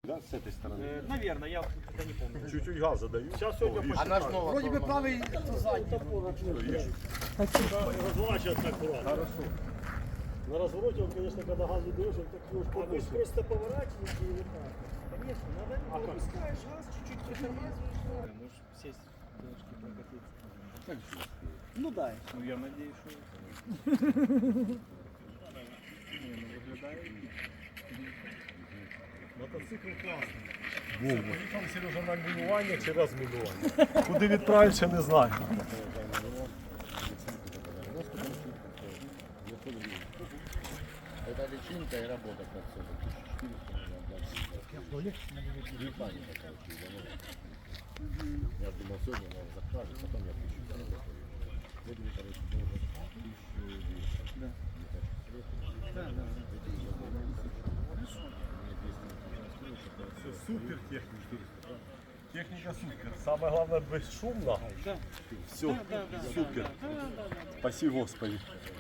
Да, с этой стороны. Наверное, я тогда не помню. Чуть-чуть газу даю. Сейчас сегодня А наш новый. Вроде бы правый, то задний. Разворачиваться аккуратно. Хорошо. На развороте, он, конечно, когда газу даешь, он так немножко Вы же просто поворачиваете и вот так. Конечно, надо опускаешь газ, чуть-чуть притормаживаешь. Можешь сесть немножко прокатиться. Так же. Ну да. Ну я надеюсь, что мотоцикл класний. Все, поїхав Сережа на мінування чи розмінування. Куди відправив, ще не знаю. Это личинка и работа как все. 1400, я думал, сегодня надо закажет, потом я 1000 заработаю. Сегодня, короче, должен 1200. Да. Все супер техніка. Техніка супер. Саме головне безшумно. Да. Все супер. Спасибо, Господи.